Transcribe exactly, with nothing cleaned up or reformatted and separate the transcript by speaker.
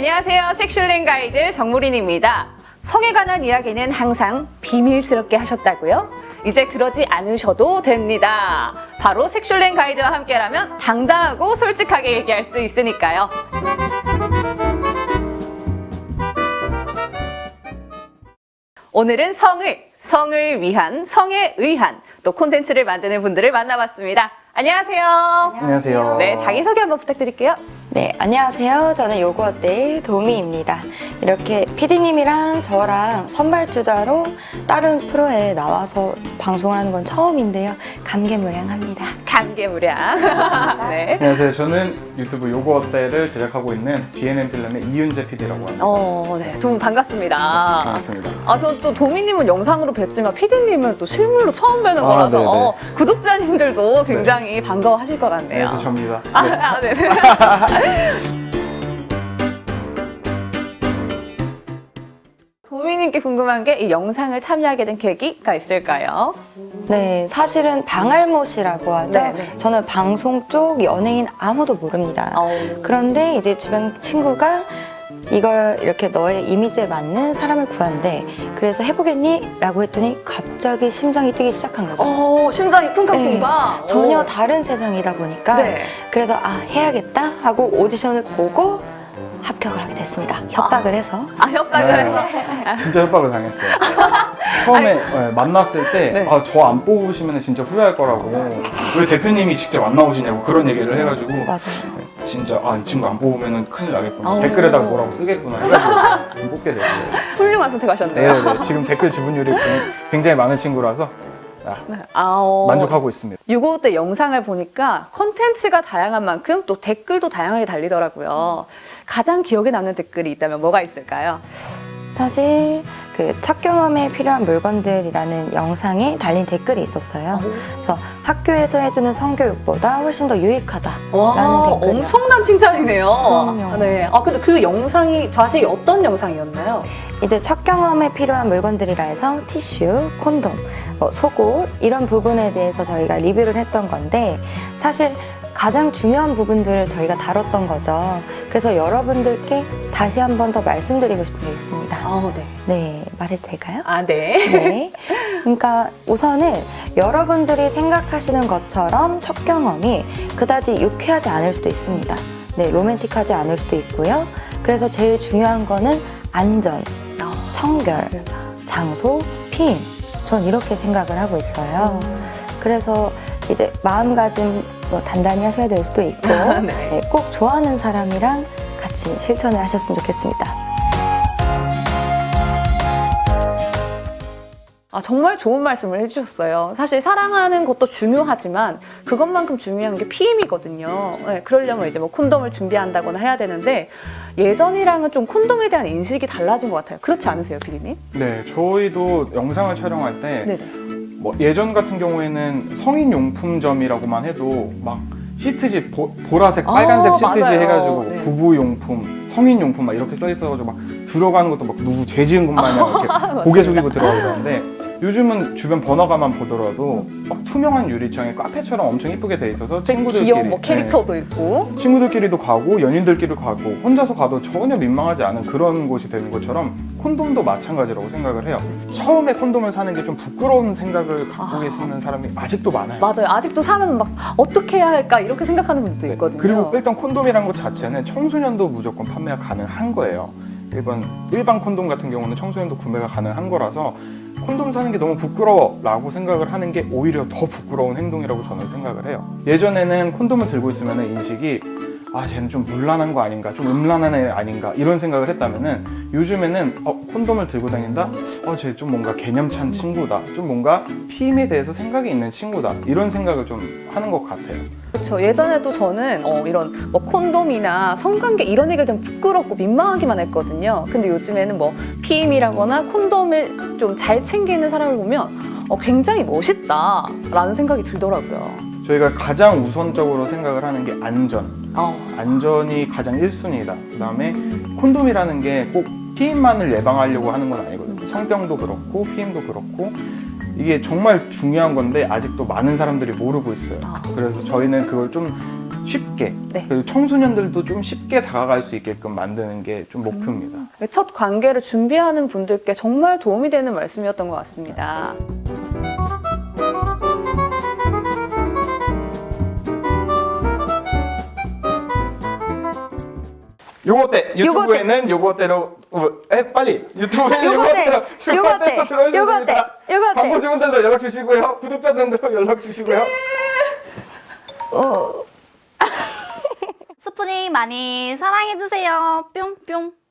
Speaker 1: 안녕하세요. 섹슐랭 가이드 정무린입니다. 성에 관한 이야기는 항상 비밀스럽게 하셨다고요? 이제 그러지 않으셔도 됩니다. 바로 섹슐랭 가이드와 함께라면 당당하고 솔직하게 얘기할 수 있으니까요. 오늘은 성을, 성을 위한, 성에 의한 또 콘텐츠를 만드는 분들을 만나봤습니다. 안녕하세요.
Speaker 2: 안녕하세요.
Speaker 1: 네, 자기소개 한번 부탁드릴게요.
Speaker 3: 네, 안녕하세요. 저는 요거어때의 도미입니다. 이렇게 피디님이랑 저랑 선발주자로 다른 프로에 나와서 방송을 하는 건 처음인데요. 감개무량합니다.
Speaker 1: 감개무량. 네.
Speaker 2: 안녕하세요. 저는 유튜브 요거 어때를 제작하고 있는 비엔엔 필름의 이윤재 피디라고 합니다.
Speaker 1: 어, 네. 두 분 반갑습니다.
Speaker 2: 반갑습니다.
Speaker 1: 아, 저 또 도미님은 영상으로 뵀지만 피디님은 또 실물로 처음 뵈는
Speaker 2: 아,
Speaker 1: 거라서
Speaker 2: 네네.
Speaker 1: 어, 구독자님들도 굉장히 반가워하실 것 같네요.
Speaker 2: 안녕하세요. 접니다.
Speaker 1: 아,
Speaker 2: 네.
Speaker 1: 아, 네네. 도미님께 궁금한 게 이 영상을 참여하게 된 계기가 있을까요?
Speaker 3: 네, 사실은 방알못이라고 하죠.
Speaker 1: 네, 네.
Speaker 3: 저는 방송 쪽 연예인 아무도 모릅니다.
Speaker 1: 어.
Speaker 3: 그런데 이제 주변 친구가 이걸 이렇게 너의 이미지에 맞는 사람을 구한대. 그래서 해보겠니? 라고 했더니 갑자기 심장이 뛰기 시작한 거죠.
Speaker 1: 어, 심장이 쿵쾅쿵쾅.
Speaker 3: 네, 전혀
Speaker 1: 오.
Speaker 3: 다른 세상이다 보니까
Speaker 1: 네.
Speaker 3: 그래서 아 해야겠다 하고 오디션을 보고 합격을 하게 됐습니다. 협박을 해서.
Speaker 1: 아, 협박을
Speaker 2: 네.
Speaker 1: 해.
Speaker 2: 진짜 협박을 당했어요. 처음에 네, 만났을 때
Speaker 1: 네.
Speaker 2: 아, 저 안 뽑으시면 진짜 후회할 거라고 왜 대표님이 직접 안 나오시냐고 그런 얘기를 해가지고
Speaker 3: 맞아요.
Speaker 2: 네, 진짜 아, 이 친구 안 뽑으면 큰일 나겠구나.
Speaker 1: 어.
Speaker 2: 댓글에다가 뭐라고 쓰겠구나 해가지고 뽑게 됐어요.
Speaker 1: 훌륭한 선택하셨네요.
Speaker 2: 네, 네. 지금 댓글 지분율이 굉장히 많은 친구라서 아,
Speaker 1: 아, 어.
Speaker 2: 만족하고 있습니다.
Speaker 1: 요거 때 영상을 보니까 컨텐츠가 다양한 만큼 또 댓글도 다양하게 달리더라고요. 가장 기억에 남는 댓글이 있다면 뭐가 있을까요?
Speaker 3: 사실 그 첫 경험에 필요한 물건들이라는 영상에 달린 댓글이 있었어요. 그래서 학교에서 해주는 성교육보다 훨씬 더 유익하다라는
Speaker 1: 와,
Speaker 3: 댓글이
Speaker 1: 엄청난 칭찬이네요.
Speaker 3: 그럼요.
Speaker 1: 네. 아, 근데 그 영상이 자세히 어떤 영상이었나요?
Speaker 3: 이제 첫 경험에 필요한 물건들이라 해서 티슈, 콘돔, 뭐 속옷 이런 부분에 대해서 저희가 리뷰를 했던 건데 사실 가장 중요한 부분들을 저희가 다뤘던 거죠. 그래서 여러분들께 다시 한 번 더 말씀드리고 싶은 게 있습니다.
Speaker 1: 아, 네.
Speaker 3: 네, 말해도 될까요?
Speaker 1: 아, 네.
Speaker 3: 네. 그러니까 우선은 여러분들이 생각하시는 것처럼 첫 경험이 그다지 유쾌하지 않을 수도 있습니다. 네, 로맨틱하지 않을 수도 있고요. 그래서 제일 중요한 거는 안전, 청결, 장소, 피임. 전 이렇게 생각을 하고 있어요. 그래서 이제 마음가짐 뭐 단단히 하셔야 될 수도 있고
Speaker 1: 네.
Speaker 3: 네, 꼭 좋아하는 사람이랑 같이 실천을 하셨으면 좋겠습니다.
Speaker 1: 아, 정말 좋은 말씀을 해주셨어요. 사실 사랑하는 것도 중요하지만 그것만큼 중요한 게 피임이거든요. 네, 그러려면 이제 뭐 콘돔을 준비한다거나 해야 되는데 예전이랑은 좀 콘돔에 대한 인식이 달라진 것 같아요. 그렇지 않으세요, 피디님?
Speaker 2: 네, 저희도 영상을 촬영할 때
Speaker 1: 네네.
Speaker 2: 뭐 예전 같은 경우에는 성인용품점이라고만 해도 막 시트지 보, 보라색, 빨간색
Speaker 1: 아,
Speaker 2: 시트지
Speaker 1: 맞아요.
Speaker 2: 해가지고
Speaker 1: 네.
Speaker 2: 부부용품, 성인용품 막 이렇게 써 있어가지고 막 들어가는 것도 막 누구 죄 지은 것 마냥 이렇게 고개 숙이고 들어가는데 요즘은 주변 번화가만 보더라도 막 투명한 유리창에 카페처럼 엄청 이쁘게 돼 있어서 친구들끼리
Speaker 1: 귀여운 뭐 캐릭터도 있고.
Speaker 2: 네, 친구들끼리도 가고 연인들끼리 가고 혼자서 가도 전혀 민망하지 않은 그런 곳이 되는 것처럼 콘돔도 마찬가지라고 생각을 해요. 처음에 콘돔을 사는 게 좀 부끄러운 생각을 갖고
Speaker 1: 아.
Speaker 2: 계시는 사람이 아직도 많아요.
Speaker 1: 맞아요. 아직도 사면 막 어떻게 해야 할까 이렇게 생각하는 분도
Speaker 2: 네,
Speaker 1: 있거든요.
Speaker 2: 그리고 일단 콘돔이라는 것 자체는 청소년도 무조건 판매가 가능한 거예요. 일반 일반 콘돔 같은 경우는 청소년도 구매가 가능한 거라서 콘돔 사는 게 너무 부끄러워라고 생각을 하는 게 오히려 더 부끄러운 행동이라고 저는 생각을 해요. 예전에는 콘돔을 들고 있으면 인식이 아 쟤는 좀 문란한 거 아닌가, 좀 음란한 애 아닌가 이런 생각을 했다면은 요즘에는 어, 콘돔을 들고 다닌다? 어, 쟤 좀 뭔가 개념찬 친구다, 좀 뭔가 피임에 대해서 생각이 있는 친구다 이런 생각을 좀 하는 것 같아요.
Speaker 1: 그렇죠. 예전에도 저는 어, 이런 뭐 콘돔이나 성관계 이런 얘기를 좀 부끄럽고 민망하기만 했거든요. 근데 요즘에는 뭐 피임이라거나 콘돔을 좀 잘 챙기는 사람을 보면 어, 굉장히 멋있다라는 생각이 들더라고요.
Speaker 2: 저희가 가장 우선적으로 생각을 하는 게 안전.
Speaker 1: 어.
Speaker 2: 안전이 가장 일 순위다. 그 다음에 콘돔이라는 게 꼭 피임만을 예방하려고 하는 건 아니거든요. 성병도 그렇고 피임도 그렇고 이게 정말 중요한 건데 아직도 많은 사람들이 모르고 있어요. 그래서 저희는 그걸 좀 쉽게
Speaker 1: 네.
Speaker 2: 그리고 청소년들도 좀 쉽게 다가갈 수 있게끔 만드는 게 좀 목표입니다.
Speaker 1: 첫 관계를 준비하는 분들께 정말 도움이 되는 말씀이었던 것 같습니다.
Speaker 2: 요거 어때?
Speaker 1: 요거
Speaker 2: 유튜브에는 요거 어때로 어, 해 빨리 유튜브에는
Speaker 1: 요거
Speaker 2: 요거
Speaker 1: 어때?
Speaker 2: 어때로
Speaker 1: 요거 어때? 요거 어때? 요거 어때?
Speaker 2: 광고 주문들도 연락 주시고요. 구독자들도 연락 주시고요.
Speaker 3: 어,
Speaker 4: 스프닝 많이 사랑해주세요. 뿅뿅.